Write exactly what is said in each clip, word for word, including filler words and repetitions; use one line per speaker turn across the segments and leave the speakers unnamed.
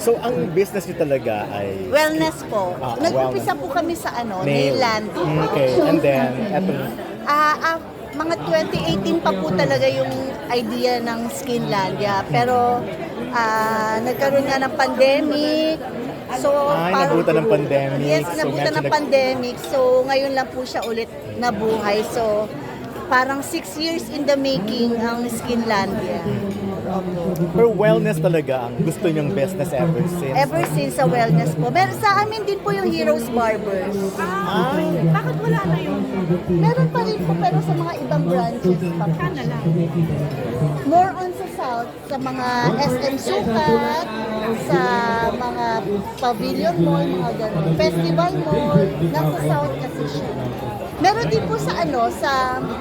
So, ang business niyo talaga ay...
Wellness po.
Ah,
Nag-umpisa po kami sa ano, Nailand.
Okay, and then, eto,
Ah, ah, mga twenty eighteen pa po talaga yung idea ng Skinlandia. Pero ah, nagkaroon nga ng pandemic. So,
ay,
parang-
nabutan ng pandemic.
Yes,
So,
nabutan
medyo
ng
nag-
pandemic. So, ngayon lang po siya ulit nabuhay. So, parang six years in the making ang Skinlandia.
pero wellness talaga ang gusto niyong business ever since.
Ever since sa wellness po. Meron sa amin din po yung Heroes Barbers.
Ah, bakit wala na yun?
Meron pa rin po pero sa mga ibang branches pa po.
Sana lang.
More on sa South, sa mga S M Sukat, sa mga Pavilion Mall, mga ganun. Festival Mall, nasa South kasi siya. Meron din po sa ano, sa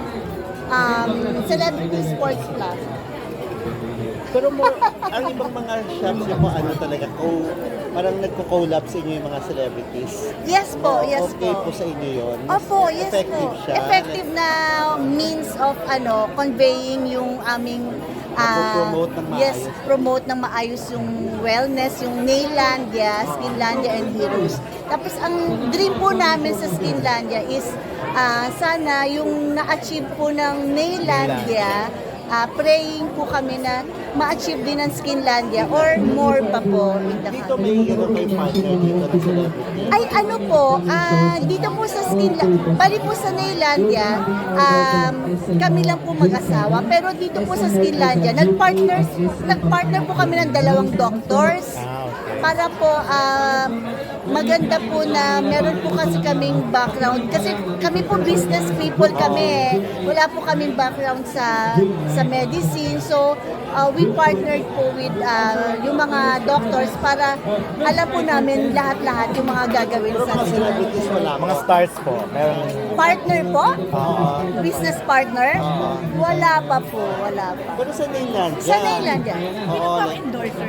um, Celebrity Sports Plaza.
Pero more, ang ibang mga shops niyo po, ano talaga, oh, parang nagko-collab sa inyo yung mga celebrities.
Yes po, yes
Okay
po.
po sa inyo yun.
Opo, yes
Effective
po.
siya.
Effective na means of ano, conveying yung aming ah,
Promote ng maayos.
yes, promote ng maayos yung wellness, yung Nailandia, Skinlandia and Heroes. Tapos ang dream po namin sa Skinlandia is ah, sana yung na-achieve po ng Nailandia, ah, praying po kami na ma-achieve din ng Skinlandia or more pa po in the
Dito
country.
may ano kay partner dito na celebrity.
Ay ano po, ah dito po sa Skinlandia, bali po sa Nailandia, um, kami lang po mag-asawa. Pero dito po sa Skinlandia, nag-partners, nag-partner po kami ng dalawang doctors.
Ah, okay.
Para po um, maganda po na meron po kasi kaming background. Kasi kami po business people kami. eh. Wala po kaming background sa sa medicine. So, uh, we partnered po with uh, yung mga doctors para alam po namin lahat-lahat yung mga gagawin
Pero
sa
mga celebrities wala
Mga
po.
stars po, meron...
partner po?
Oo.
Business partner? Wala pa po, wala pa.
Pero sa Nailandia.
Sa Nailandia.
Oo.
Ang
like-
endorser.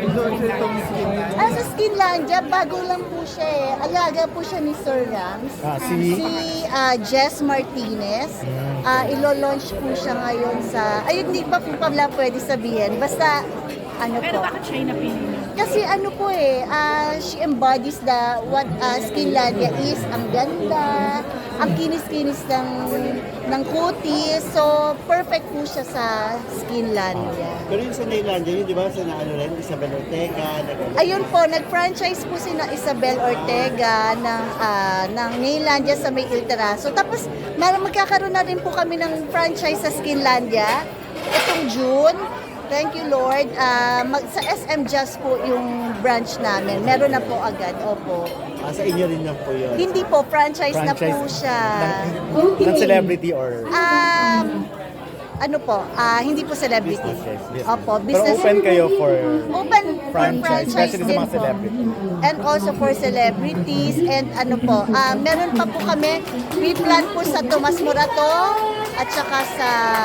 Ah, sa Skinlandia, bago lang po siya eh. Alaga po siya ni Sir Rams.
Ah, si...
Si ah, Jess Martinez. Ah, ilo-launch po siya ngayon sa... Ayun, hindi pa po pala pwede sabihin. Basta, ano
Pero
po.
bakit siya yung napili niyo?
Kasi ano po eh, ah, she embodies the what uh, Skinlandia is. Ang ganda, ang kinis-kinis ng, ng kutis. So, perfect po siya sa Skinlandia.
Pero yung sa Nailandia, yun di ba, sa na, ano rin, Isabel Ortega, nag-
Ayun po, nag-franchise po si na Isabel Ortega ng, ah, ng Nailandia sa May Il Terraso. Tapos, mar- magkakaroon na rin po kami ng franchise sa Skinlandia itong June. Thank you, Lord. Ah, mag, sa S M Just po yung branch namin. Meron na po agad. Opo.
ah, sa inyo rin lang po yun.
Hindi po, franchise, na po
Franchise
siya.
ng, ng celebrity or...
Um, ano po, ah, hindi po celebrity.
Business, yes, business.
Opo,
Pero
business.
open kayo for...
Open for
Franchise, especially sa
din
mga
po.
celebrity.
And also for celebrities and ano po, ah, meron pa po kami, we plan po sa Tomas Morato at saka sa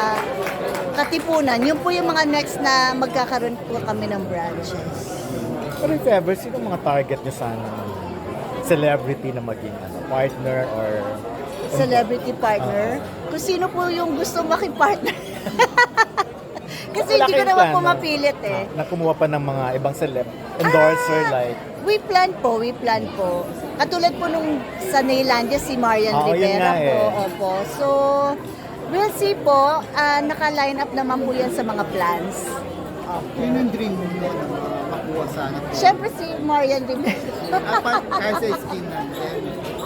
Katipunan. Yun po yung mga next na magkakaroon po kami ng branches.
Pero if ever, sino mga target niyo sana celebrity na maging ano, partner or...
Celebrity partner. Kung sino po yung gusto makipartner. Kasi
Wala
hindi ko
kayong
naman
plano?
po mapilit eh.
Na kumuha pa ng mga ibang celeb endorser
Ah,
like...
We plan po, we plan po. Katulad po nung sa Nailandia, si Marian
Oo, yun
Rivera
nga
po.
eh.
Opo. So, we'll see po. Ah, naka-line up naman po yan sa mga plans.
Yun yung dream mo na makuha sana.
Siyempre si Marian Rivera.
Ah, pa- Kaya sa skin natin.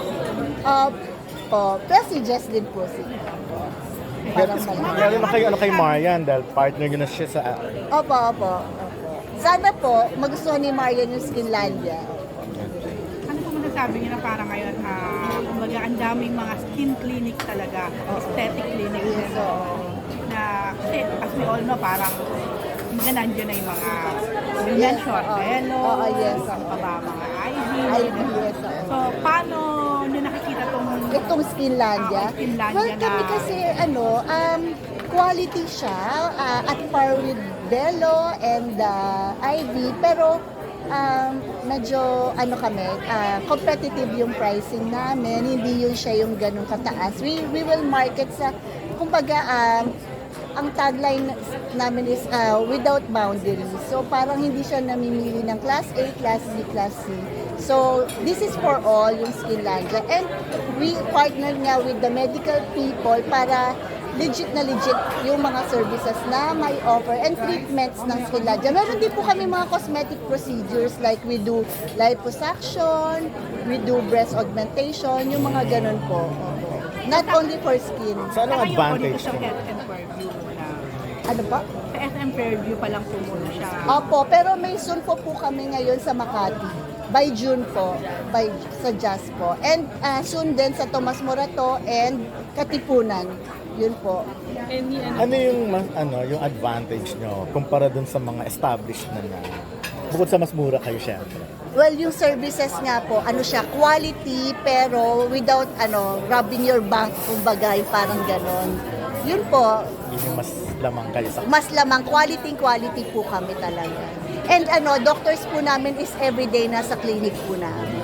Opo. Pero si Jess din po si. Parang malaki.
Kaya naman kayo ano kay Marian dahil partner niyo na siya sa...
Opo, opo. Opo. Sana po, magustuhan ni Marian yung Skinlandia.
Ano po masasabi niyo na parang ngayon, ah, kumbaga ang daming mga skin clinic talaga, aesthetic clinic.
Yes,
na,
oo.
na, kasi as we all know, parang mga nandiyan na yung mga ganyan
Yes,
short
oo.
pelo,
Oo, yes,
ano pa
oo.
ba, mga I V.
I V, yes, oo.
So, paano niyo nakikita tong
Itong Skinlandia.
Ah, Skinlandia
Well, kami
na-
kasi, ano, um, quality siya ah, at par with Belo and uh, I V. Pero, um, medyo, ano kami, ah, competitive yung pricing namin. Hindi yun siya yung ganun kataas. We, we will market sa, kumbaga, um, ang tagline namin is uh, without boundaries. So parang hindi siya namimili ng class A, class B, class C. So this is for all yung Skinlandia. And we partner nga with the medical people para legit na legit yung mga services na may offer and treatments ng Skinlandia. Meron din po kami mga cosmetic procedures like we do liposuction, we do breast augmentation, yung mga ganun po. Opo. Not only for skin.
So anong
Saka yung po dito
advantage
sa
niya?
S M Fairview muna.
Ano pa?
Sa S M Fairview pa lang po muna siya.
Opo, pero may soon po po kami ngayon sa Makati. By June po, by sa Jazz po. And uh, soon din sa Tomas Morato and Katipunan. Yun po.
Ano yung mas, ano yung advantage nyo kumpara dun sa mga established na na bukod sa mas mura kayo syempre?
Well, yung services nga po, ano siya, quality pero without ano, rubbing your bank, kumbaga, yung parang ganon. Yun po,
Yun yung mas lamang kayo sa
mas lamang quality quality po kami talaga. And ano, doctors po namin is everyday nasa clinic po namin.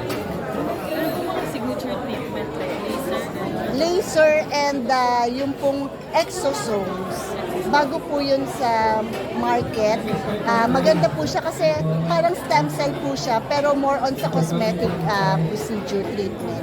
Signature treatment like laser.
Laser and uh, yung pong exosomes. Bago po yun sa market. Ah, maganda po siya kasi parang stem cell po siya pero more on sa cosmetic ah, procedure treatment.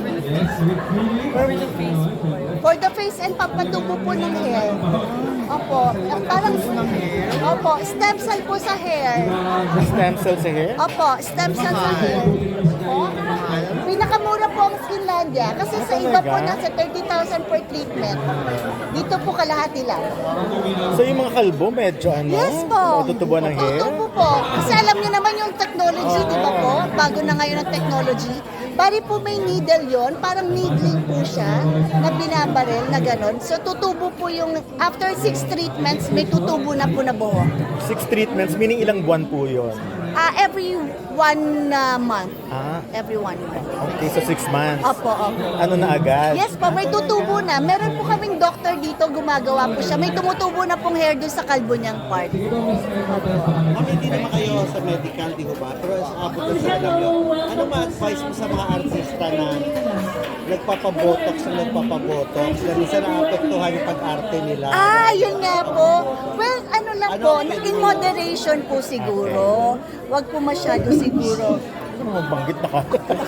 For the face po.
For the face and papatubo po ng hair. Opo. Ah, Parang, opo, stem cell po sa hair.
stem cell sa hair?
Opo, stem cell sa hair. Opo. Pinakamura po ang Skinlandia kasi sa iba po nasa thirty thousand per treatment. Dito po kalahati lang.
So yung mga kalbo medyo ano?
Yes po.
Tutubo ng hair?
Tutubo po. Kasi alam niyo naman yung technology, di ba po? Bago na ngayon ang technology. Bari po may needle yon, parang needling po siya na binabaril na ganon. So tutubo po yung, after six treatments, may tutubo na po na buhok.
Six treatments, meaning ilang buwan po yun?
Ah, every one uh, month.
Ah,
Every one month.
okay, so six months.
Opo, opo.
Ano na agad?
Yes po, may tutubo na. Meron po kaming doctor dito, gumagawa po siya. May tumutubo na pong hair doon sa kalbo niyang part.
Ma'am, hindi naman kayo sa medical, di ba? Pero sa abot na sa alam nyo, ano ma-advise mo sa mga artista na nagpapabotox na nagpapabotox na minsan naapektuhan yung pag-arte nila?
Ah, yun nga po. Well, ano lang
Ano
po,
ang pwede
in
mo?
moderation po siguro. Wag po masyado siguro.
Ano mo banggit na ka?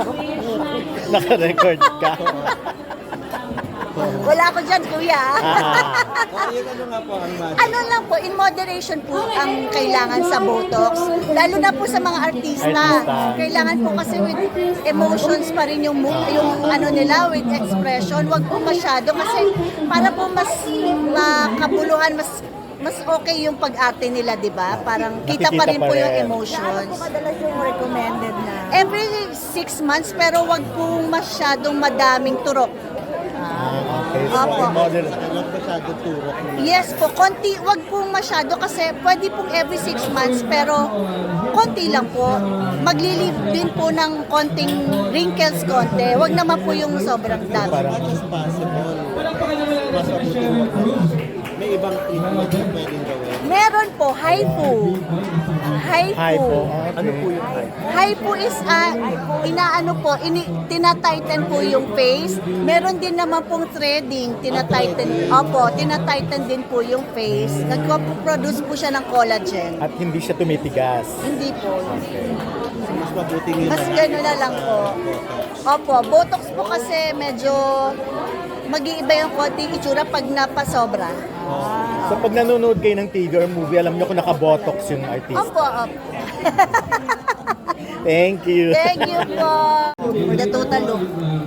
Naka-record ka.
Wala ko dyan, kuya.
Ah,
Kaya yun ano nga po ang magic?
Ano lang po, in moderation po ang kailangan sa Botox. Lalo na po sa mga artista.
Artista.
Kailangan po kasi with emotions pa rin yung, mo- yung ano nila, with expression. Wag po masyado kasi para po mas makabuluhan, mas mas okay yung pag-arte nila, di ba? Parang kita pa
Nakikita
rin
pa
po yung
rin.
emotions.
Madalas yung recommended na.
Every six months, pero wag po masyadong madaming turok.
ah, okay. So,
Opo.
in model-
Sa kanak masyado turok na.
Yes po, konti, wag po masyado kasi pwede pong every six months pero konti lang po. Maglilib din po ng konting wrinkles konti. Wag naman po yung sobrang dami.
As much as possible, mas mabuti mo. May ibang treatment na pwedeng gawin.
Meron po, HIFU. HIFU.
Hi po. Okay.
Ano po yung hype?
HIFU is, ah, inaano po, ini, tinatighten po yung face. Meron din naman pong threading, tinatighten. Opo, tinatighten din po yung face. Nagpo-produce po siya ng collagen.
At hindi siya tumitigas.
Hindi po.
Mas mabuti nyo
Mas gano'n na lang po. Opo, Botox po kasi medyo mag-iiba yung konting itsura pag napasobra.
So pag nanonood kayo ng T V or movie, alam niyo kung naka-botox yung artist.
Opo, opo.
Thank you.
Thank you po. For the total look.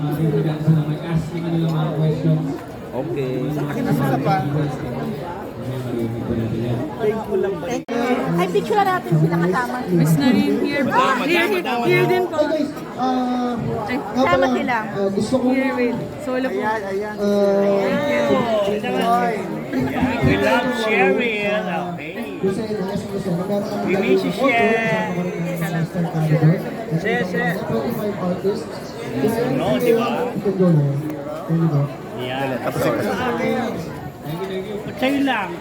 Okay.
Ay, picture natin sila kasama.
Miss Narin here po. Here, here, here din po.
Ah,
Ay,
nga
sama
pala,
sila.
ah, gusto ko,
Here with solo po.
ah,
We love Cheryl. Okay.
gusto nila, gusto gusto nila. Meron kami
We wish you share. Share, share.
twenty-five artists.
No, di ba?
You can go there. There you go.
Yeah. Sa'yo lang.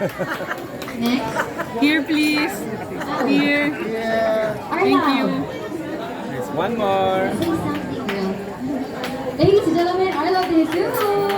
Here, please. Here. Thank you.
One more.
Ladies and gentlemen, I love you too.